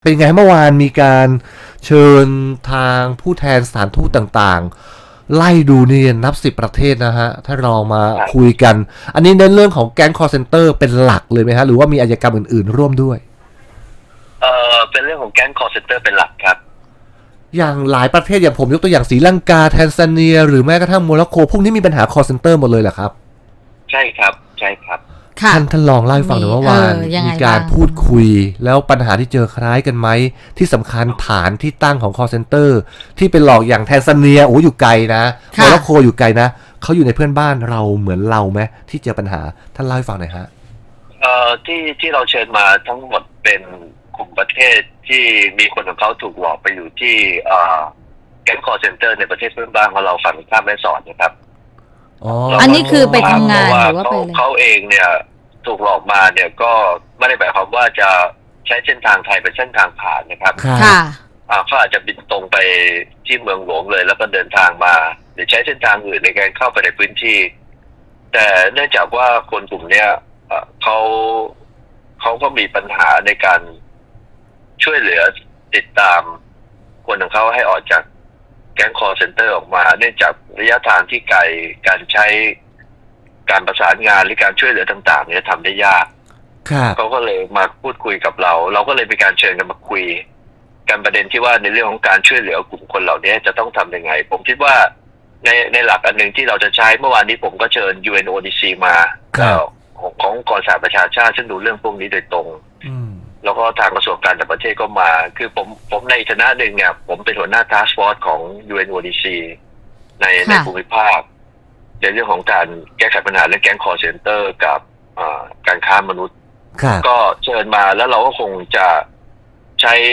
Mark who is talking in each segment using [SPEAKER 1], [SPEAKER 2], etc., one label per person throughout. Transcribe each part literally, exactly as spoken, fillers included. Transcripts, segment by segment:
[SPEAKER 1] เป็นไงเมื่อวานมีการเชิญทางผู้แทนสถานทูตต่างๆไล่ดูนี่นับสิบประเทศนะฮะถ้าเรามาคุยกันอันนี้เน้นเรื่องของแก๊ง call center เป็นหลักเลยไหมฮะหรือว่ามีอาชญากรรมอื่นๆร่วมด้วย
[SPEAKER 2] เออเป็นเรื่องของแก๊ง call center เป็นหลักครับ
[SPEAKER 1] อย่างหลายประเทศอย่างผมยกตัวอย่างศรีลังกาแทนซาเนียหรือแม้กระทั่งโมร็อกโกพวกนี้มีปัญหา call center หมดเลยเหรอครับ
[SPEAKER 2] ใช่ครับใช่ครับ
[SPEAKER 1] ท่านท่านลองเล่าให้ฟังหน่อยว่าวานมีการพูดคุยแล้วปัญหาที่เจอคล้ายกันไหมที่สำคัญฐานที่ตั้งของ call center ที่เป็นหลอกอย่างแทนซาเนียโอ้อยู่ไกลนะโมร็อกโกอยู่ไกลนะเขาอยู่ในเพื่อนบ้านเราเหมือนเราไหมที่เจอปัญหาท่านเล่าให้ฟังหน่อยฮะ
[SPEAKER 2] เอ่อที่ที่เราเชิญมาทั้งหมดเป็นกลุ่มประเทศที่มีคนของเขาถูกหลอกไปอยู่ที่เอ่อแก๊ง call center ในประเทศเพื่อนบ้านของเราฝั่งข้ามแม่สอดนะครับ
[SPEAKER 3] อ๋ออันนี้คือไปทำงานหรือว่าไป
[SPEAKER 2] เขาเองเนี่ยถูกหลอกมาเนี่ยก็ไม่ได้หมายความว่าจะใช้เส้นทางไทยเป็นเส้นทางผ่านนะครับ
[SPEAKER 3] ค่ะ
[SPEAKER 2] เขาอาจจะบินตรงไปที่เมืองหลวงเลยแล้วก็เดินทางมาหรือใช้เส้นทางอื่นในการเข้าไปในพื้นที่แต่เนื่องจากว่าคนกลุ่มเนี้ยเขาเขาก็มีปัญหาในการช่วยเหลือติดตามคนของเขาให้ออกจากแก๊ง call center ออกมาเนื่องจากระยะทางที่ไกลการใช้การประสานงานหรือการช่วยเหลือต่างๆเนี่ยทำได้ยากเขาก็เลยมาพูดคุยกับเราเราก็เลยมีการเชิญกันมาคุยกันประเด็นที่ว่าในเรื่องของการช่วยเหลือกลุ่มคนเหล่านี้จะต้องทำยังไงผมคิดว่าในในหลักอันหนึ่งที่เราจะใช้เมื่อวานนี้ผมก็เชิญ ยู เอ็น โอ ดี ซี มาของขององค์กรสหประชาชาติซึ่งดูเรื่องพวกนี้โดยตรงแล้วก็ทางกระทรวงการต่างประเทศก็มาคือผมผมในฐานะหนึ่งเนี่ยผมเป็นหัวหน้า Task Force ของ ยู เอ็น โอ ดี ซี ในในภูมิภาคในเรื่องของการแก้ไขปัญหาเรื่องแก๊ง call center กับการค้ามนุษย์ก็เชิญมาแล้วเราก็คงจะใช้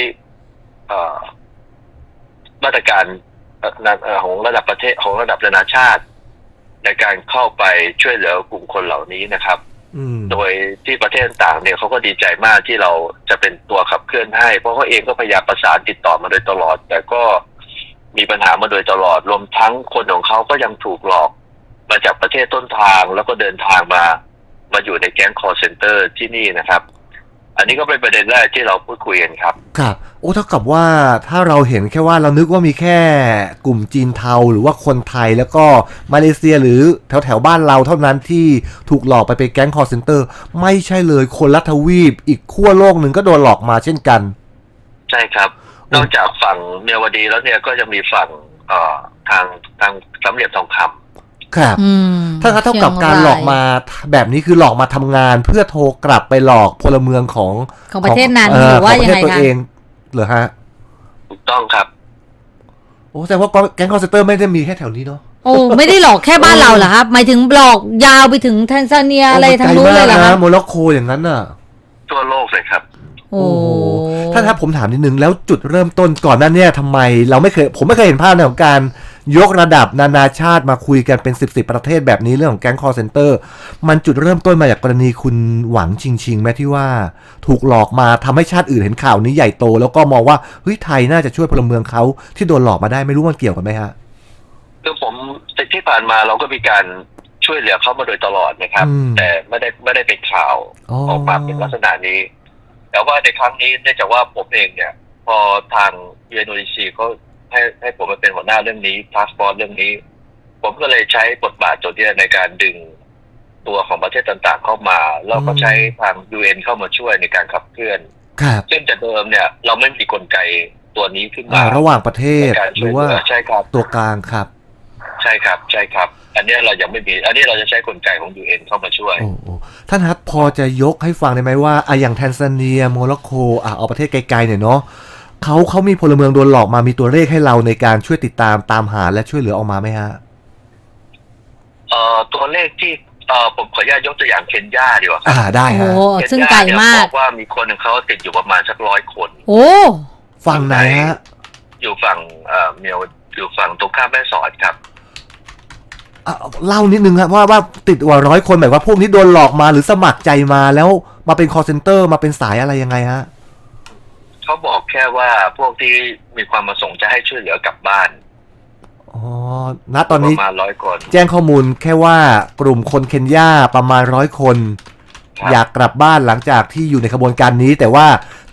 [SPEAKER 2] มาตรการของระดับประเทศของระดับนานาชาติในการเข้าไปช่วยเหลือกลุ่มคนเหล่านี้นะครับโดยที่ประเทศต่างเนี่ยเขาก็ดีใจมากที่เราจะเป็นตัวขับเคลื่อนให้เพราะเขาเองก็พยายามประสานติดต่อมาโดยตลอดแต่ก็มีปัญหามาโดยตลอดรวมทั้งคนของเขาก็ยังถูกหลอกมาจากประเทศต้นทางแล้วก็เดินทางมามาอยู่ในแก๊ง call center ที่นี่นะครับอันนี้ก็เป็นประเด็นแรกที่เราพูดคุยกันครับ
[SPEAKER 1] ครับโอ้เท่ากับว่าถ้าเราเห็นแค่ว่าเรานึกว่ามีแค่กลุ่มจีนเทาหรือว่าคนไทยแล้วก็มาเลเซียหรือแถวแถวบ้านเราเท่านั้นที่ถูกหลอกไปเป็นแก๊ง call center ไม่ใช่เลยคนละทวีปอีกขั้วโลกหนึ่งก็โดนหลอกมาเช่นกัน
[SPEAKER 2] ใช่ครับนอกจากฝั่งเมียวดีแล้วเนี่ยก็จะมีฝั่งเอ่อทางทางสามเหลี่ยมทองคำ
[SPEAKER 1] ครับถ้าเท่ากับการหลอกมาแบบนี้คือหลอกมาทำงานเพื่อโทรกลับไปหลอกพลเมืองของ
[SPEAKER 3] ของประเทศนั้นหรือว่ายังไงคะ
[SPEAKER 1] เหรอฮะ
[SPEAKER 2] ถูกต้องครับ
[SPEAKER 1] โอ้แต่ว่าแก๊ง call center ไม่ได้มีแค่แถวนี้เนาะ
[SPEAKER 3] โอ้ไม่ได้หลอกแค่บ้านเราเหรอครับหมายถึงหลอกยาวไปถึงแทนซาเนียอะไรทางนู้นเลยเหรอครับ
[SPEAKER 1] โมร็อกโกอย่างนั้นน่ะ
[SPEAKER 2] ทั่วโลกเลยครับ
[SPEAKER 1] โอ้ท่านครับผมถามนิดนึงแล้วจุดเริ่มต้นก่อนนั้นเนี่ยทำไมเราไม่เคยผมไม่เคยเห็นภาพในของการยกระดับนานาชาติมาคุยกันเป็นสิบสิบประเทศแบบนี้เรื่องของแก๊ง call center มันจุดเริ่มต้นมาจากกรณีคุณหวังชิงชิงแม้ที่ว่าถูกหลอกมาทำให้ชาติอื่นเห็นข่าวนี้ใหญ่โตแล้วก็มองว่าเฮ้ยไทยน่าจะช่วยพลเมืองเขาที่โดนหลอกมาได้ไม่รู้มันเกี่ยวกันไหมฮะ
[SPEAKER 2] คือผมที่ผ่านมาเราก็มีการช่วยเหลือเขามาโดยตลอดนะครับแต่ไม่ได้ไม่ได้เป็นข่าวออกมาเป็นลักษณะนี้แต่ว่าในครั้งนี้เนื่องจากว่าผมเองเนี่ยพอทาง ยู เอ็น โอ ดี ซี เขาให้ให้ผมมาเป็นหัวหน้าเรื่องนี้ Task Force เรื่องนี้ผมก็เลยใช้บทบาทตัวนี้ในการดึงตัวของประเทศต่างๆเข้ามาแล้วก็ใช้ทาง ยู เอ็น เข้ามาช่วยในการขับเคลื่อนซึ่งแต่เดิมเนี่ยเราไม่มีกลไกตัวนี้ขึ้นมา
[SPEAKER 1] ระหว่างประเทศหรือว่า
[SPEAKER 2] ใช่ครับ
[SPEAKER 1] ตัวกลางครับ
[SPEAKER 2] ใช่ครับใช่ครับอันนี้เรายังไม่มีอันนี้เราจะใช้กลไกของ ยู เอ็น เข้ามาช่วย
[SPEAKER 1] โอ้ท่านครับพอจะยกให้ฟังได้ไหมว่าอ่ะอย่างแทนซาเนียโมร็อกโกอ่ะเอาประเทศไกลๆหน่อยเนาะเขาเขามีพลเมืองโดนหลอกมามีตัวเลขให้เราในการช่วยติดตามตามหาและช่วยเหลือออกมาไหมฮะ
[SPEAKER 2] เอ่อตัวเลขที่เอ่อผมขออนุญาตยกตัวอย่างเคนยาดีกว่า
[SPEAKER 1] อ่าได้ฮะ
[SPEAKER 3] โอ้ซึ่งไกลมาก
[SPEAKER 2] บอกว่ามีคนหนึ่งเขาติดอยู่ประมาณสักร้อยคน
[SPEAKER 3] โอ้
[SPEAKER 1] ฝั่งไหนฮะ
[SPEAKER 2] อยู่ฝั่งเอ่อเมียวอยู่ฝั่งตรงข้ามแม่สอดครับ
[SPEAKER 1] เล่านิดนึงครับว่าว่าติดกว่าร้อยคนหมายว่าพวกนี้โดนหลอกมาหรือสมัครใจมาแล้วมาเป็น call center มาเป็นสายอะไรยังไงฮะ
[SPEAKER 2] เขาบอกแค่ว่าพวกที่มีความประสงค์จะให้ช่วยเหลือกลับบ้าน
[SPEAKER 1] อ๋อณตอนนี้
[SPEAKER 2] ประมาณร้อยคน
[SPEAKER 1] แจ้งข้อมูลแค่ว่ากลุ่มคนเคนยาประมาณร้อยคนอยากกลับบ้านหลังจากที่อยู่ในขบวนการนี้แต่ว่า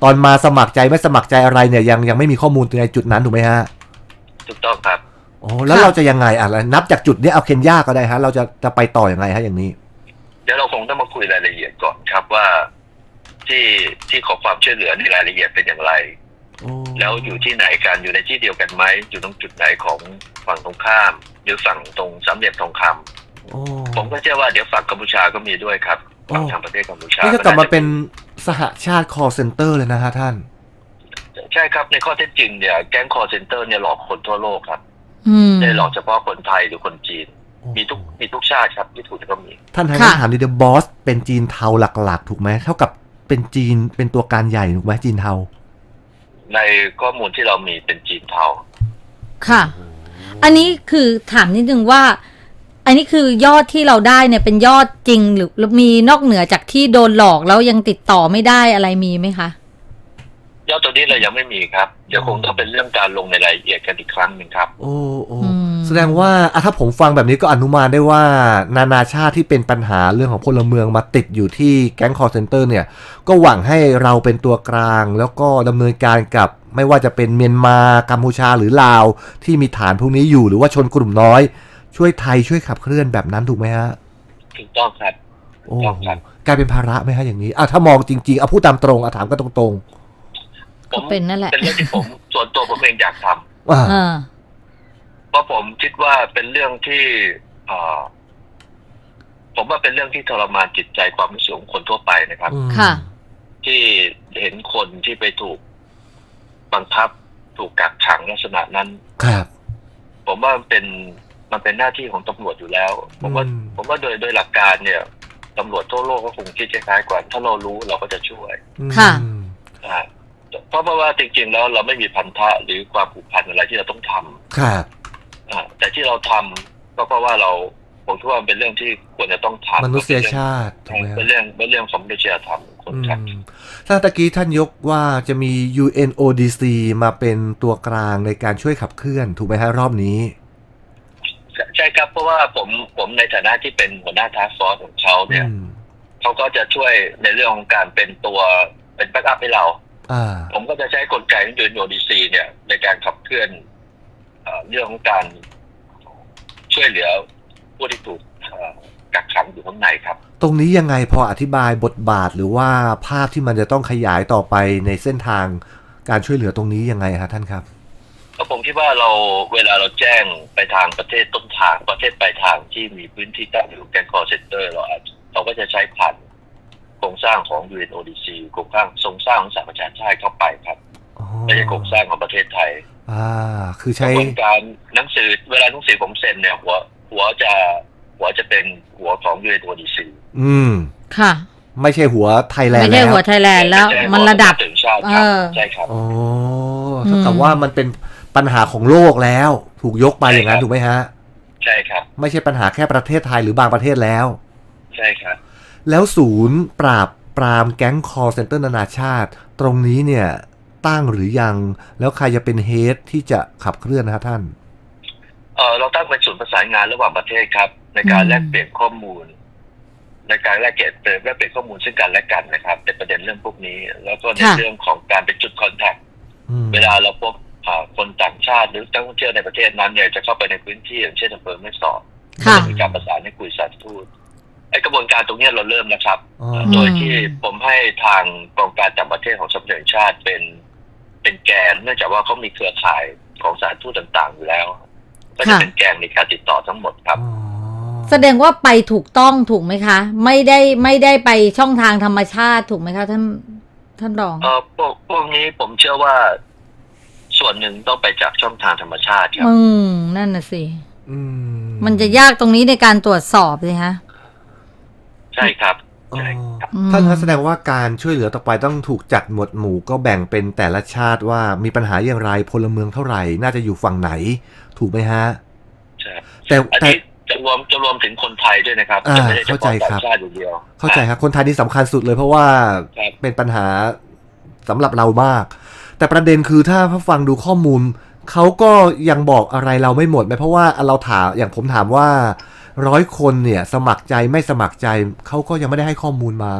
[SPEAKER 1] ตอนมาสมัครใจไม่สมัครใจอะไรเนี่ยยังยังไม่มีข้อมูลในจุดนั้นถูกไหมฮะ
[SPEAKER 2] ถูกต้องครับ
[SPEAKER 1] โอ้แล้วเราจะยังไงอ่ะนับจากจุดนี้เอาเคนยาก็ได้ฮะเราจะจะไปต่อยังไงฮะอย่างนี้
[SPEAKER 2] เดี๋ยวเราคงต้องมาคุยรายละเอียดก่อนครับว่าที่ที่ขอความช่วยเหลือในรายละเอียดเป็นอย่างไรแล้วอยู่ที่ไหนกันอยู่ในที่เดียวกันไหมอยู่ตรงจุดไหนของฝั่งตรงข้ามหรือฝั่งตรงสามเหลี่ยมทองคำผมก็เชื่อว่าเดี๋ยวฝั่งกัมพูชาก็มีด้วยครับฝั่งทางประเทศกัมพูชา
[SPEAKER 1] นี่จะกลับมาเป็นสหชาติ call center เลยนะฮะท่าน
[SPEAKER 2] ใช่ครับในข้อเท็จจริงเนี่ยแก๊ง call center เนี่ยหลอกคนทั่วโลกครับไม่หลอกเฉพาะคนไทยหรือคนจีนมีทุกมีทุกชาติครับที่ถูกก็มี
[SPEAKER 1] ท่านทางถามดิเดบอสเป็นจีนเทาหลักๆถูกไหมเท่ากับเป็นจีนเป็นตัวการใหญ่ถูกไหมจีนเทา
[SPEAKER 2] ในข้อมูลที่เรามีเป็นจีนเทา
[SPEAKER 3] ค่ะอันนี้คือถามนิดนึงว่าอันนี้คือยอดที่เราได้เนี่ยเป็นยอดจริงหรือมีนอกเหนือจากที่โดนหลอกแล้วยังติดต่อไม่ได้อะไรมีไหมคะ
[SPEAKER 2] ยอดตัวนี้เรายังไม่มีครับเดี๋ยวคงต้องเป็นเรื่องการลงในรายละเอียดกันอีกครั้งหนึ่งครับ
[SPEAKER 1] โอ้โอ้แสดงว่าถ้าผมฟังแบบนี้ก็อนุมานได้ว่านานาชาติที่เป็นปัญหาเรื่องของพลเมืองมาติดอยู่ที่แก๊ง call center เนี่ยก็หวังให้เราเป็นตัวกลางแล้วก็ดำเนินการกับไม่ว่าจะเป็นเมียนมากัมพูชาหรือลาวที่มีฐานพวกนี้อยู่หรือว่าชนกลุ่มน้อยช่วยไทยช่วยขับเคลื่อนแบบนั้นถูกไหมฮะ
[SPEAKER 2] ถูกต้องครับ
[SPEAKER 1] โอ้กลายเป็นภาระไหมฮะอย่างนี้อ่ะถ้ามองจริงๆเอาพูดตามตรงอ่ะถามก็ตรง
[SPEAKER 3] ๆก็เป็นนั่นแหละ
[SPEAKER 2] เป็นเรื่องที่ผมส่วนตัวผมเองอยากท
[SPEAKER 1] ำอ่า
[SPEAKER 2] เพราะผมคิดว่าเป็นเรื่องที่อ่าผมว่าเป็นเรื่องที่ทรมานจิตใจความรู้สึกของคนทั่วไปนะครับ
[SPEAKER 3] ค่ะ
[SPEAKER 2] ที่เห็นคนที่ไปถูกบังคับถูกกักขังลักษณะนั้น
[SPEAKER 1] ครับ
[SPEAKER 2] ผมว่ามันเป็นมันเป็นหน้าที่ของตำรวจอยู่แล้วผมว่าผมว่าโดยโดยหลักการเนี่ยตำรวจทั่วโลกก็คงคิดคล้ายๆกันถ้าเรารู้เราก็จะช่วย
[SPEAKER 3] ค่ะ
[SPEAKER 2] เพราะเพราะว่าจริงๆแล้วเราไม่มีพันธะหรือความผูกพันอะไรที่เราต้องท
[SPEAKER 1] ำครับ
[SPEAKER 2] แต่ที่เราทำก็เพราะว่าเราผมคิดว่าเป็นเรื่องที่ควรจะต้องทำ
[SPEAKER 1] มนุษยชาติ
[SPEAKER 2] เป็นเรื่องเป็นเรื่องของมนุษยธรรมคนครับ
[SPEAKER 1] ถ้าตะกี้ท่านยกว่าจะมี ยู เอ็น โอ ดี ซี มาเป็นตัวกลางในการช่วยขับเคลื่อนถูกไหมฮะรอบนี้
[SPEAKER 2] ใช่ครับเพราะว่าผมผมในฐานะที่เป็นหัวหน้าทาสก์ฟอร์สของเขาเนี่ยเขาก็จะช่วยในเรื่องของการเป็นตัวเป็นแบ็กอัพให้เราผมก็จะใช้กลไกของ ยู เอ็น โอ ดี ซี เนี่ยในการขับเคลื่อนเรื่องของการช่วยเหลือผู้ที่ถูกกักขังอยู่ข้างในครับ
[SPEAKER 1] ตรงนี้ยังไงพออธิบายบทบาทหรือว่าภาพที่มันจะต้องขยายต่อไปในเส้นทางการช่วยเหลือตรงนี้ยังไงฮะท่านครับ
[SPEAKER 2] ผมคิดว่าเราเวลาเราแจ้งไปทางประเทศต้นทางประเทศปลายทางที่มีพื้นที่ตั้งอยู่แก๊ง call center เราอาจเราก็จะใช้ผ่านโครงสร้างของ ยู เอ็น โอ ดี ซี โครงสร้างทรงสร้างของสหประชาชาติเข้าไปครับไม่ใช่โครงสร้างของประเทศไทย
[SPEAKER 1] อ่าคือใช้
[SPEAKER 2] กระบวนการหนังสือเวลาหนังสือผมเซ็นเนี่ยหัวหัวจะหัวจะเป็นหัวของ ยู เอ็น โอ ดี ซี
[SPEAKER 1] อืม
[SPEAKER 3] ค่ะ
[SPEAKER 1] ไม่ใช่หัวไทยแลนด์
[SPEAKER 3] ไม่ใช่หัวไทยแลนด์แล้วมันระดับ
[SPEAKER 2] เออใช่ครับ
[SPEAKER 1] โอ้เท่ากับว่ามันเป็นปัญหาของโลกแล้วถูกยกไปอย่างนั้นถูกไหมฮะ
[SPEAKER 2] ใช่ครับ
[SPEAKER 1] ไม่ใช่ปัญหาแค่ประเทศไทยหรือบางประเทศแล้ว
[SPEAKER 2] ใช่ครับ
[SPEAKER 1] แล้วศูนย์ปราบปรามแก๊ง call center นานาชาติตรงนี้เนี่ยตั้งหรือยังแล้วใครจะเป็นเฮดที่จะขับเคลื่อนนะครับท่าน
[SPEAKER 2] เออเราตั้งเป็นศูนย์ประสานงานระหว่างประเทศครับในการแลกเปลี่ยนข้อมูลในการแลกเปลี่ยนแลกเปลี่ยนข้อมูลซึ่งกันและกันนะครับเป็นประเด็นเรื่องพวกนี้แล้วก็ในเรื่องของการเป็นจุดคอนแทคเวลาเราพบคนต่างชาติหรือนักท่องเที่ยวในประเทศนั้นเนี่ยจะเข้าไปในพื้นที่อย่างเช่นอำเภอแม่สอดจะมีการประสานให้คุยสารทูตไอกระบวนการตรงนี้เราเริ่มนะครับโดยที่ผมให้ทางกองการต่างประเทศของสำนักงานชาติเป็นเป็นแกนเนื่องจากว่าเขามีเครือข่ายของสารทูตต่างๆอยู่แล้วก็จะเป็นแกนในการติดต่อทั้งหมดครับ
[SPEAKER 3] แสดงว่าไปถูกต้องถูกไหมคะไม่ได้ไม่ได้ไปช่องทางธรรมชาติถูกไหมคะท่านท่านรอง
[SPEAKER 2] เออพวกพวกนี้ผมเชื่อว่าส่วนหนึ่งต้องไปจากช่องทางธรรมชาติครับ
[SPEAKER 3] อืมนั่นน่ะสิมันจะยากตรงนี้ในการตรวจสอบเลยฮะ
[SPEAKER 2] ใช่ครับ
[SPEAKER 1] ท่านแสดงว่าการช่วยเหลือต่อไปต้องถูกจัดหมวดหมู่ก็แบ่งเป็นแต่ละชาติว่ามีปัญหาอย่างไรพลเมืองเท่าไหร่น่าจะอยู่ฝั่งไหนถูกไหมฮะ
[SPEAKER 2] ใช่แต่แต่จะรวมจะรวมถึงคนไทยด้วยนะครับ
[SPEAKER 1] จะไม่ได้เฉพาะต่างชาติอย่างเดียวเข้าใจครับคนไทยนี่สำคัญสุดเลยเพราะว่าเป็นปัญหาสำหรับเรามากแต่ประเด็นคือถ้าฟังดูข้อมูลเขาก็ยังบอกอะไรเราไม่หมดไหมเพราะว่าเราถามอย่างผมถามว่าร้อยคนเนี่ยสมัครใจไม่สมัครใจเขาก็ยังไม่ได้ให้ข้อมูลมา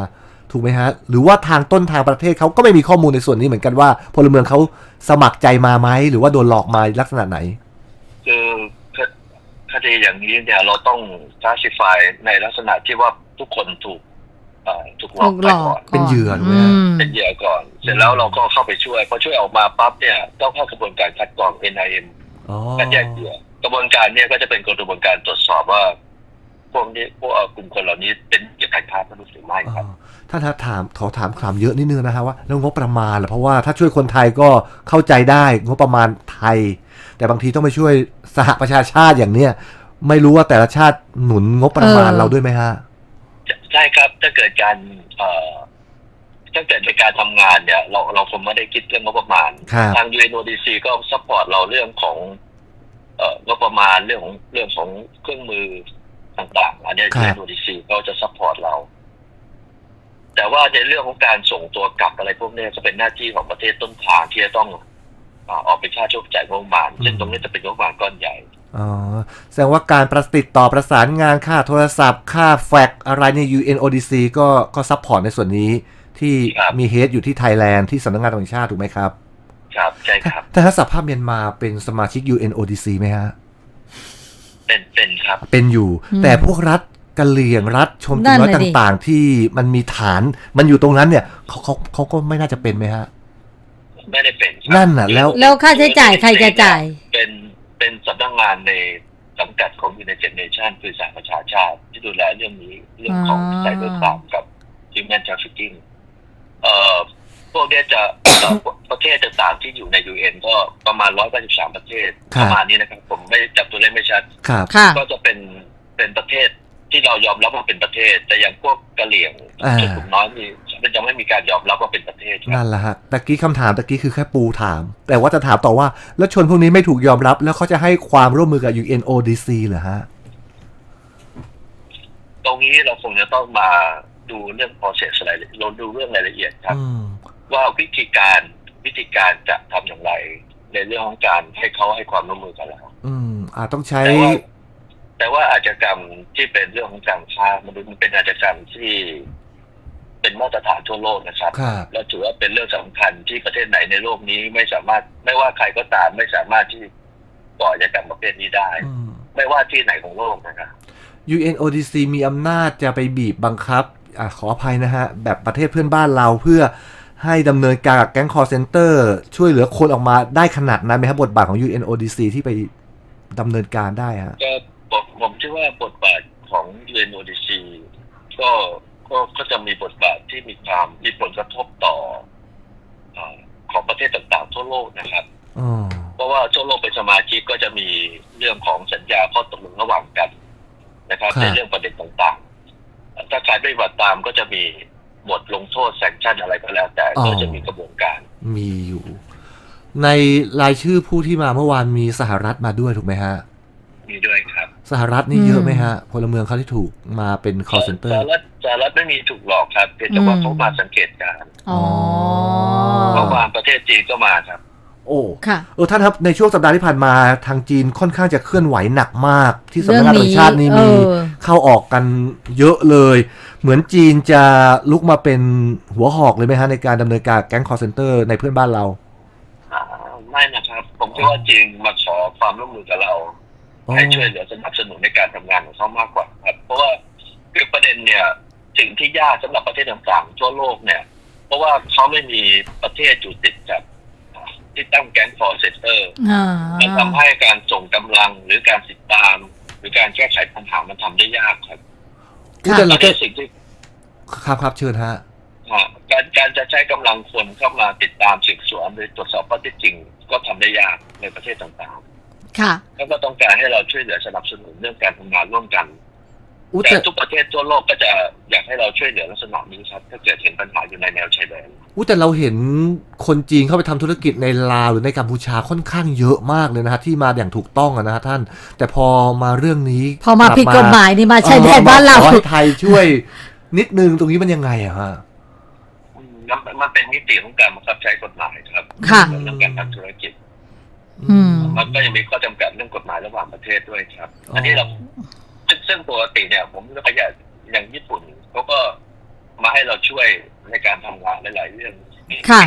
[SPEAKER 1] ถูกไหมฮะหรือว่าทางต้นทางประเทศเขาก็ไม่มีข้อมูลในส่วนนี้เหมือนกันว่าพลเมืองเขาสมัครใจมาไหมหรือว่าโดนหลอกมาลักษณะไหน
[SPEAKER 2] คือคดีอย่างนี้เนี่ยเราต้อง classify ในลักษณะที่ว่าทุกคนถูกถูกหลอกไปก่อน
[SPEAKER 1] เป็นเหยื่อถูกไหม
[SPEAKER 2] เป็นเหยื่อก่อนเสร็จแล้วเราก็เข้าไปช่วยพอช่วยออกมาปั๊บเนี่ยต้องเข้ากระบวนการคัดกรอง เอ็น ไอ เอ็ม การแยกเหยื่อกระบวนการเนี่ยก็จะเป็นกระบวนการตรวจสอบว่าพวกนี้พวกกลุ่มคนเหล่านี้เป็นเหยื่อการค้ามนุษย์หรือไม่ครับ
[SPEAKER 1] ท่านถามขอถามคำเยอะนิดนึงนะฮะว่าแล้วงบประมาณล่ะเพราะว่าถ้าช่วยคนไทยก็เข้าใจได้งบประมาณไทยแต่บางทีต้องไปช่วยสหประชาชาติอย่างเนี้ยไม่รู้ว่าแต่ละชาติหนุนงบประมาณเราด้วยไหมฮะ
[SPEAKER 2] ใช่ครับถ้าเกิดการเอ่อถ้าเกิดในการทำงานเนี่ยเราเราคงไม่ได้คิดเรื่องงบประมาณทาง ยู เอ็น โอ ดี ซี ก็ซัพพอร์ตเราเรื่องของเอ่องบประมาณเรื่องของเรื่องของเครื่องมือต่างๆอันนี้ ยู เอ็น โอ ดี ซี ก็จะซัพพอร์ตเราแต่ว่าในเรื่องของการส่งตัวกลับอะไรพวกนี้จะเป็นหน้าที่ของประเทศต้นทางที่จะต้องออกเป็นค่าใช้จ่ายงบประมาณซึ่งตรงนี้จะเป็นงบประมาณก้อนใหญ่
[SPEAKER 1] อ๋อแสดงว่าการประติดต่อประสานงานค่าโทรศัพท์ค่าแฟกซ์อะไรใน ยู เอ็น โอ ดี ซี ก็ก็ซัพพอร์ตในส่วนนี้ที่มีเฮดอยู่ที่ไทยแลนด์ที่สำนักงานตำรวจแห่งชาติถูกไหมครับ
[SPEAKER 2] ครับใช่ครับ
[SPEAKER 1] แต่ถ้าสหภาพเมียนมาเป็นสมาชิก ยู เอ็น โอ ดี ซี ไหมฮะ
[SPEAKER 2] เป็นเป็นครับ
[SPEAKER 1] เป็นอยู่แต่พวกรัฐกะเหรี่ยงรัฐชมพูน้อยต่างๆที่มันมีฐานมันอยู่ตรงนั้นเนี่ยเขาเขาเขาก็ไม่น่าจะเป็นไหมฮะ
[SPEAKER 2] ไม่ได้เป็น
[SPEAKER 1] นั่นน่ะแล้ว
[SPEAKER 3] แล้วค่าใช้จ่ายใครจะจ่าย
[SPEAKER 2] เป็นเป็นสำนักงานในสังกัดของ United Nations คือสหประชาชาติที่ดูแลเรื่องนี้เรื่องของไซเบอร์ครามกับ Human Trafficking เอ่อพวกนี้จะประเทศต่างๆที่อยู่ใน ยู เอ็น ก็ประมาณหนึ่งร้อยแปดสิบสามประเทศประมาณนี้นะครับผมไม่จับตัวเลขไม่ชัดก็จะเป็นเป็นประเทศที่เรายอมรับว่าเป็นประเทศแต่อย่างพวกกะเหรี่ยงชนกลุ่มน้อยมีมันจะไม่มีการยอมรับว่าเป็นประเทศ
[SPEAKER 1] นั่นแหละฮะตะกี้คำถามตะกี้คือแค่ปูถามแต่ว่าจะถามต่อว่าแล้วชนพวกนี้ไม่ถูกยอมรับแล้วเขาจะให้ความร่วมมือกับ ยู เอ็น โอ ดี ซี เหรอฮะ
[SPEAKER 2] ตรงนี้เราคงจะต้องมาดูเรื่อง process อะไรเราดูเรื่องรายละเอียดครับว่าวิธีการวิธีการจะทำอย่างไรในเรื่องของการให้เขาให้ความร่วมมือกันแล้ว
[SPEAKER 1] อืมอาจต้องใช้
[SPEAKER 2] แต่ว่าอาชญากรรมที่เป็นเรื่องของการค้ามนุษย์มันเป็นอาชญากรรมที่เป็นมาตรฐานทั่วโลกนะครับและถือว่าเป็นเรื่องสำคัญที่ประเทศไหนในโลกนี้ไม่สามารถไม่ว่าใครก็ตามไม่สามารถที่ก่ออาชญากรรมประเภทนี้ได้ไม่ว่าที่ไหนของโลกนะครับ
[SPEAKER 1] ยู เอ็น โอ ดี ซี มีอำนาจจะไปบีบบังคับอ่ะขออภัยนะฮะแบบประเทศเพื่อนบ้านเราเพื่อให้ดำเนินการกับแก๊งคอลเซ็นเตอร์ช่วยเหลือคนออกมาได้ขนาดนั้นไหมครับบทบาทของ ยู เอ็น โอ ดี ซี ที่ไปดำเนินการได้ฮะ
[SPEAKER 2] ผมเชื่อว่าบทบาทของ ยู เอ็น โอ ดี ซี ก็ก็ก็จะมีบทบาทที่มีความมีผลกระทบต่อของประเทศต่างๆทั่วโลกนะครับเพราะว่าทั่วโลกเป็นสมาชิกก็จะมีเรื่องของสัญญาข้อตกลงระหว่างกันนะครับในเรื่องประเด็นต่างๆถ้าใครไม่ปฏิบัติตามก็จะมีบทลงโทษแซงชั่นอะไรก็แล้วแต่ก็จะมีกระบวนการ
[SPEAKER 1] มีอยู่ในรายชื่อผู้ที่มาเมื่อวานมีสหรัฐมาด้วยถูกไหมฮะ
[SPEAKER 2] มีด้วยครับ
[SPEAKER 1] สหรัฐนี่เยอะไหมฮะพลเมืองเขาที่ถูกมาเป็น call center
[SPEAKER 2] สหรัฐสหรัฐไม่มีถูกหลอกครับเพียงแต่ว่าเขามาสังเกตการณ์
[SPEAKER 3] อ๋อ
[SPEAKER 2] เมื่อวานประเทศจีนก็มาครับ
[SPEAKER 1] โอ้ค่ะเออท่านครับในช่วงสัปดาห์ที่ผ่านมาทางจีนค่อนข้างจะเคลื่อนไหวหนักมากที่สำนักงานตำรวจแห่งชาตินี่มีเข้าออกกันเยอะเลยเหมือนจีนจะลุกมาเป็นหัวหอกเลยไหมฮะในการดำเนินการแก๊ง call center ในเพื่อนบ้านเรา
[SPEAKER 2] ไม่นะครับผมคิดว่าจีนมาขอความร่วมมือกับเราให้ช่วยเหลือสนับสนุนในการทำงานของเขามากกว่าครับเพราะว่าคือประเด็นเนี่ยสิ่งที่ยากสำหรับประเทศต่างๆทั่วโลกเนี่ยเพราะว่าเขาไม่มีประเทศอยู่ติดกับที่ตั้งแก๊ง call center มันทำให้การส่งกำลังหรือการติดตามหรือการแก้ไขปัญหามันทำได้ยากครับ
[SPEAKER 1] แต่เราแค่สิ่งที่ครับครับเชิญฮะ
[SPEAKER 2] การการจะใช้กำลังคนเข้ามาติดตามสืบสวนหรือตรวจสอบข้อเท็จจริงก็ทำได้ยากในประเทศต่างๆ
[SPEAKER 3] ค่ะ
[SPEAKER 2] แล้วก็ต้องการให้เราช่วยเหลือสนับสนุนเรื่องการทำงานร่วมกันแต่ทุกประเทศทั่วโลกก็จะอยากให้เราช่วยเหลือลักษณะนี้ครับถ้าเกิดเห็นปัญหาอยู่ในแนวชายแดน
[SPEAKER 1] อู้แต่เราเห็นคนจีนเข้าไปทำธุรกิจในลาวหรือในกัมพูชาค่อนข้างเยอะมากเลยนะฮะที่มาอย่างถูกต้องนะฮะท่านแต่พอมาเรื่องนี้
[SPEAKER 3] พอมาผิดกฎหมายนี่มาชายแดนบ้านเรา
[SPEAKER 1] ขอให้ไทยช่วยนิดนึงตรงนี้มันยังไงอะฮะ
[SPEAKER 2] มันเป็นมิติของการบังคับใช้กฎหมายครับเรื่องการทำธุรกิจมันก็ยังมีข้อจำกัดเรื่องกฎหมายระหว่างประเทศด้วยครับอันนี้เราซึ่งปกติเนี่ยผมก็พยายามอย่างญี่ปุ่นเขาก็มาให้เราช่วยในการทำงานหลายๆเรื่อง
[SPEAKER 3] ค่ะ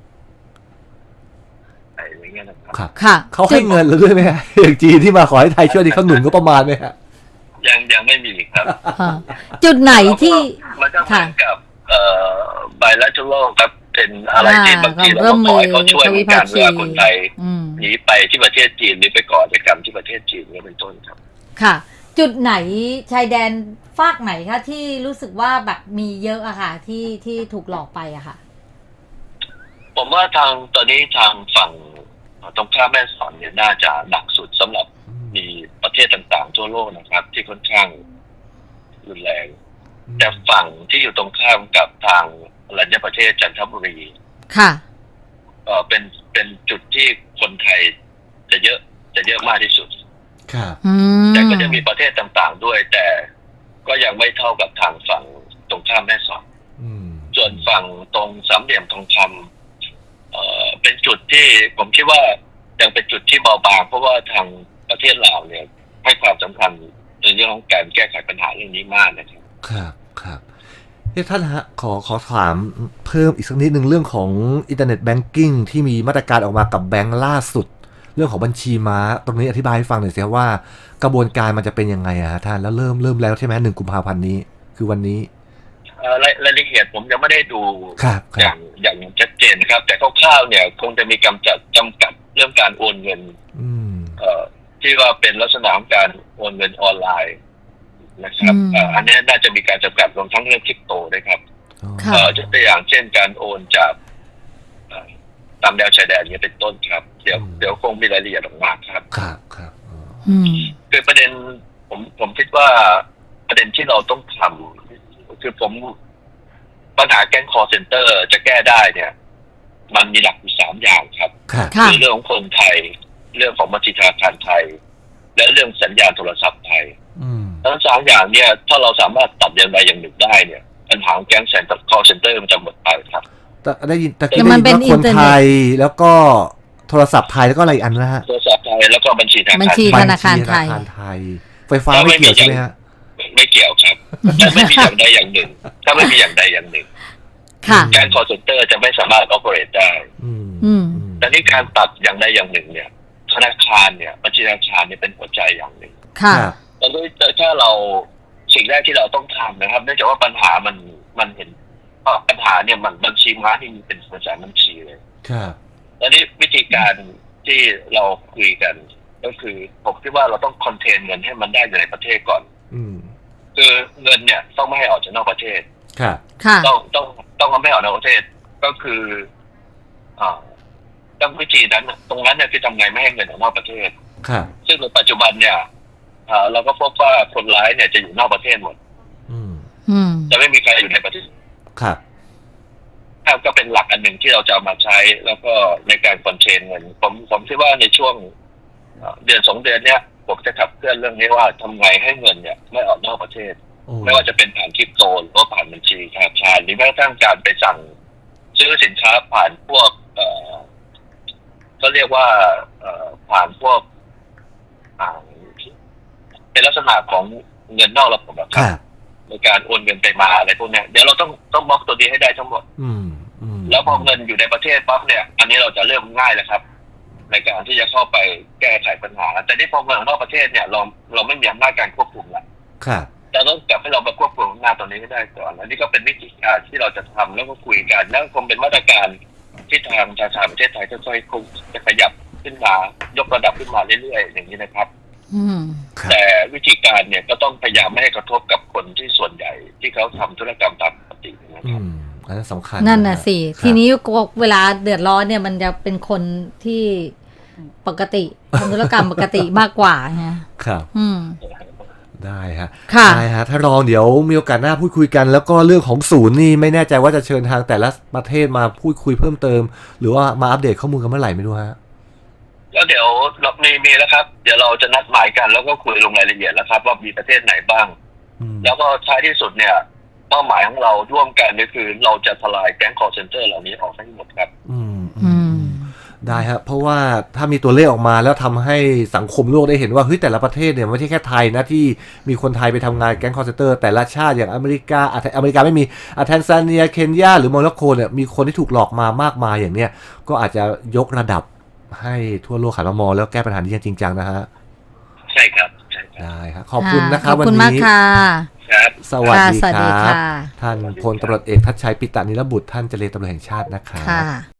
[SPEAKER 2] อะไรอย่างเงี้ยนะครับ
[SPEAKER 1] ครับ
[SPEAKER 3] ค่ะ
[SPEAKER 1] เขาให้เงินเราด้วยไหมฮะอย่างจีนที่มาขอให้ไทยช่วยนี่เขาหนุนก็ประมาณไหมฮะ
[SPEAKER 2] ยังยังไม่มีครับ
[SPEAKER 3] อ่าจุดไหนที่
[SPEAKER 2] มันก็เหมือนกับเอ่อ bilateral ครับเป็นอะไรที่
[SPEAKER 3] อ่า
[SPEAKER 2] บางทีเรา
[SPEAKER 3] ร่ว
[SPEAKER 2] ก็
[SPEAKER 3] ม
[SPEAKER 2] ข
[SPEAKER 3] มื
[SPEAKER 2] อ
[SPEAKER 3] อ
[SPEAKER 2] ให้เขาช่วยเหมือนกัน
[SPEAKER 3] ทวิภาคี
[SPEAKER 2] เวลาคนไทย
[SPEAKER 3] อืม
[SPEAKER 2] หนีไปที่ประเทศจีนหรือไปก่อกิจกรรมที่ประเทศจีนเนี่ยเป็นต้นครับ
[SPEAKER 3] ค่ะ จุดไหนชายแดนฝากไหนคะที่รู้สึกว่าแบบมีเยอะอะค่ะ ที่ที่ถูกหลอกไปอะค่ะ
[SPEAKER 2] ผมว่าทางตอนนี้ทางฝั่งตรงข้ามแม่สอดเนี่ยน่าจะหนักสุดสำหรับมีประเทศต่างๆทั่วโลกนะครับ ที่ค่อนข้างรุนแรง แต่ฝั่งที่อยู่ตรงข้ามกับทางอรัญญประเทศจันทบุรี
[SPEAKER 3] ค่ะ
[SPEAKER 2] เออเป็นเป็นจุดที่คนไทยจะเยอะจะเยอะมากที่สุด
[SPEAKER 1] ครับ
[SPEAKER 3] อืม
[SPEAKER 2] แต่ก็จะมีประเทศต่างๆด้วย แต่ก็ยังไม่เท่ากับทางฝั่งตรงข้ามแม่สอด
[SPEAKER 1] อืม
[SPEAKER 2] ส่วนฝั่งตรงสามเหลี่ยมทองคำเอ่อเป็นจุดที่ผมคิดว่ายังเป็นจุดที่เบาบางเพราะว่าทางประเทศลาวเนี่ยให้ความสำคัญในเรื่องของการแก้ไขปัญหาเรื่องนี้มากนะครับ
[SPEAKER 1] ครับครับเฮ้ท่านฮะขอขอถามเพิ่มอีกสักนิดหนึ่งเรื่องของอินเทอร์เน็ตแบงกิ้งที่มีมาตรการออกมากับแบงก์ล่าสุด เรื่องของบัญชีม้าตรงนี้อธิบายให้ฟังหน่อยสิครับว่ากระบวนการมันจะเป็นยังไงอะฮะท่านแล้วเริ่มเริ่มแล้วใช่ไหมหนึ่งกุมภาพันธ์นี้คือวันนี้
[SPEAKER 2] เอ่อรายรายละเอียดผมยังไม่ได้ดู
[SPEAKER 1] ครับค
[SPEAKER 2] อ
[SPEAKER 1] รั
[SPEAKER 2] ย่า
[SPEAKER 1] บ
[SPEAKER 2] งอย่างชัดเจนนะครับ แต่คร่าวๆเนี่ยคงจะมีกำจัดจำกัดเรื่องการโอนเงิน
[SPEAKER 1] อืม
[SPEAKER 2] เอ่อที่ว่าเป็นลักษณะของการโอนเงินออนไลน์นะครับ
[SPEAKER 3] อืม
[SPEAKER 2] เอ่ออันนี้น่าจะมีการจำกัดรวมทั้งเรื่องคริปโตด้วยครับ
[SPEAKER 3] ค่ะ
[SPEAKER 2] เอ่อยกตัวอย่างเช่นการโอนจากเอ่อตามแนวชายแดนเนี่ยเป็นต้นครับ เดี๋ยวเดี๋ยวคงมีรายละเอียดออกมาครับ
[SPEAKER 1] ครับครับอ๋อ
[SPEAKER 3] อืม
[SPEAKER 2] คือประเด็นผมผมคิดว่าประเด็นที่เราต้องทำคือผมปัญหาแก๊งคอร์เซนเตอร์จะแก้ได้เนี่ย มันมีหลักอยู่สามอย่างครับ
[SPEAKER 1] ครับ
[SPEAKER 3] ค่ะ
[SPEAKER 2] คือเรื่องของคนไทย เรื่องของบัญชีธนาคารไทย และเรื่องสัญญาณโทรศัพท์ไทย
[SPEAKER 1] อืม
[SPEAKER 2] ทั้งสามอย่างเนี่ย ถ้าเราสามารถตัดอย่างใดอย่างหนึ่งได้เนี่ยปัญหาของแก๊งแซนต์คอร์เซนเตอร์มันจะหมดไปครับ
[SPEAKER 1] แต่ได้ยินแต่
[SPEAKER 3] แต่
[SPEAKER 1] ได้
[SPEAKER 3] มัน
[SPEAKER 1] ยิน
[SPEAKER 3] เป็น
[SPEAKER 1] ว่าคน
[SPEAKER 3] อินเทอร์เน็ต
[SPEAKER 1] ไทยแล้วก็โทรศัพท์ไทยแล้วก็อะไรอีกอันนะฮะ
[SPEAKER 2] โทรศัพท์ไทยแล้วก็บัญชีธนา
[SPEAKER 3] บัญ
[SPEAKER 2] คาร
[SPEAKER 3] ชี
[SPEAKER 2] ไท
[SPEAKER 3] ธ
[SPEAKER 2] ย
[SPEAKER 3] นาคารไทย
[SPEAKER 1] บัญชีธนาคารไทย ไฟฟ้าไม่เกี่ยวใช่ไหมฮะ
[SPEAKER 2] ไม่เกี่ยวครับถ้าไม่มีอย่างใดอย่างหนึ่ง ถ้าไม่มีอย่างใดอย่างหนึ่ง
[SPEAKER 3] ค่ะ
[SPEAKER 2] แก๊งคอร์เซนเตอร์จะไม่สามารถ operate ได้
[SPEAKER 1] อืม
[SPEAKER 3] อืม
[SPEAKER 2] แต่นี่การตัดอย่างใดอย่างหนึ่งเนี่ย ธนาคารเนี่ยบัญชีธนาคารเนี่ยเป็นหัวใจอย่างหนึ่ง
[SPEAKER 3] ค่ะ
[SPEAKER 1] ครับ
[SPEAKER 2] แต่ด้วยถ้าเราสิ่งแรกที่เราต้องทำนะครับ เนื่องจากว่าปัญหามันมันเห็นเพราะปัญหาเนี่ยมันบัญชีม้าที่มีเป็นหัวใจบัญชีเลย
[SPEAKER 1] ครับ
[SPEAKER 2] แล้วนี่วิธีการที่เราคุยกัน ก็คือผมคิดว่าเราต้องคอนเทนเงินให้มันได้อยู่ในประเทศก่อน
[SPEAKER 1] อืม
[SPEAKER 2] คือเงินเนี่ยต้องไม่ให้ออกจากนอกประเทศ
[SPEAKER 1] ครับ
[SPEAKER 3] ค่ะ
[SPEAKER 2] ต้องต้องต้องไม่ให้ออกนอกประเทศก็คืออ่าต้องวิธีนั้นน่ะตรงนั้นเนี่ยคือทำไงไม่ให้เงินออกนอกประเทศ
[SPEAKER 1] ครับ
[SPEAKER 2] ซึ่งในปัจจุบันเนี่ยอ่าเราก็พบว่าคนร้ายเนี่ยจะอยู่นอกประเทศหมด
[SPEAKER 1] อืม
[SPEAKER 3] อืม
[SPEAKER 2] จะไม่มีใครอยู่ในประเทศ
[SPEAKER 1] ครับ
[SPEAKER 2] ก็เป็นหลักอันหนึ่งที่เราจะเอามาใช้ แล้วก็ในการคอนเทนเงินผมผมคิดว่าในช่วงเอ่อเดือนสองเดือนเนี้ยผมจะขับเคลื่อนเรื่องนี้ว่าทำไงให้เงินเนี่ยไม่ออกนอกประเทศ
[SPEAKER 1] โอ้
[SPEAKER 2] ไม่ว่าจะเป็นผ่านคริปโตหรือว่าผ่านบัญชีธนาคารหรือแม้กระทั่งการไปสั่งซื้อสินค้าผ่านพวก เอ่อก็เรียกว่า เอ่อผ่านพวกอ่าเป็นลักษณะของเงินนอกระบบอะค
[SPEAKER 1] ครับ รับ
[SPEAKER 2] ในการโอนเงินไปมาอะไรพวกเนี้ยเดี๋ยวเราต้องต้องบล็อกตัวนี้ให้ได้ทั้งหมด
[SPEAKER 1] อืมอืม
[SPEAKER 2] แล้วพอเงินอยู่ในประเทศปั๊บเนี่ย อันนี้เราจะเริ่มง่ายแล้วครับ ในการที่จะเข้าไปแก้ไขปัญหา แต่นี่พอเงินออกนอกประเทศเนี่ยเราเราไม่มีอำนาจการควบคุมละ
[SPEAKER 1] ครับ
[SPEAKER 2] เราต้องกลับให้เรามาควบคุมอำนาจตรงนี้ให้ได้ก่อนอันนี้ก็เป็นวิธีการที่เราจะทำแล้วก็คุยกันแล้วคงเป็นมาตรการที่ทางธนาคารประเทศไทยค่อยๆคงจะขยับขึ้นมายกระดับขึ้นมาเรื่อยๆอย่างนี้นะครับ
[SPEAKER 3] อืม
[SPEAKER 1] ครับ
[SPEAKER 2] แต่วิธีการเนี่ยก็ต้องพยายามไม่ให้กระทบกับคนที่ส่วนใหญ่ที่เขาทำธุรกรรมตามปกตินะ
[SPEAKER 1] อื
[SPEAKER 2] ครับ
[SPEAKER 1] มอันนั้นสำคัญ
[SPEAKER 3] นั่นน่ะสิ
[SPEAKER 1] ครับ
[SPEAKER 3] ทีนี้เวลาเดือดร้อนเนี่ยมันจะเป็นคนที่ปกติทำธุรกรรมปกติมากกว่าฮะ
[SPEAKER 1] ครับ
[SPEAKER 3] อืม
[SPEAKER 1] ได้ฮะ
[SPEAKER 3] ค่ะ
[SPEAKER 1] ได้ฮะ ถ้ารองเดี๋ยวมีโอกาสหน้าพูดคุยกัน แล้วก็เรื่องของศูนย์นี่ไม่แน่ใจว่าจะเชิญทางแต่ละประเทศมาพูดคุยเพิ่มเติม หรือว่ามาอัปเดตข้อมูลกันเมื่อไหร่ไม่รู้ฮะ
[SPEAKER 2] แล้วเดี๋ยวเรามีมีแล้วครับ เดี๋ยวเราจะนัดหมายกันแล้วก็คุยลงรายละเอียดแล้วครับ ว่ามีประเทศไหนบ้าง
[SPEAKER 1] อืม
[SPEAKER 2] แล้วก็ท้ายที่สุดเนี่ยเป้าหมายของเราร่วมกันก็คือเราจะทลายแก๊งคอร์เซนเตอร์เหล่านี้ออกให้หมดครับ
[SPEAKER 1] อืม
[SPEAKER 3] อื
[SPEAKER 1] อืม
[SPEAKER 3] ม
[SPEAKER 1] ได้ครับเพราะว่าถ้ามีตัวเลขออกมาแล้วทำให้สังคมโลกได้เห็นว่าเฮ้ยแต่ละประเทศเนี่ยไม่ใช่แค่ไทยนะที่มีคนไทยไปทำงานแก๊งคอร์เซนเตอร์แต่ละชาติอย่างอเมริกาอ่ะอเมริกาไม่มีอ่ะแทนซาเนียเคนยาหรือโมร็อกโกเนี่ยมีคนที่ถูกหลอกมามากมายอย่างเนี้ยก็อาจจะยกระดับให้ทั่วโลกหันมามองแล้วแก้ปัญหานี้อย่างจริงจังนะฮะ
[SPEAKER 2] ใช่ครับใช่ครับ
[SPEAKER 1] ได้ครับขอบคุณนะครับ
[SPEAKER 3] ขอบ
[SPEAKER 1] วัน
[SPEAKER 3] คุณมาก
[SPEAKER 1] นี้
[SPEAKER 3] ค่ะ
[SPEAKER 2] ครับ
[SPEAKER 1] สวัสดี
[SPEAKER 3] ค่ะสวัส
[SPEAKER 1] ค
[SPEAKER 3] ดี
[SPEAKER 1] รับ
[SPEAKER 3] ค่ะ
[SPEAKER 1] ท่านพลตำรวจเอกทัชชัยปิตานิรบุตรท่านเจรตำรวจแห่งชาตินะครับ
[SPEAKER 3] ค่ะ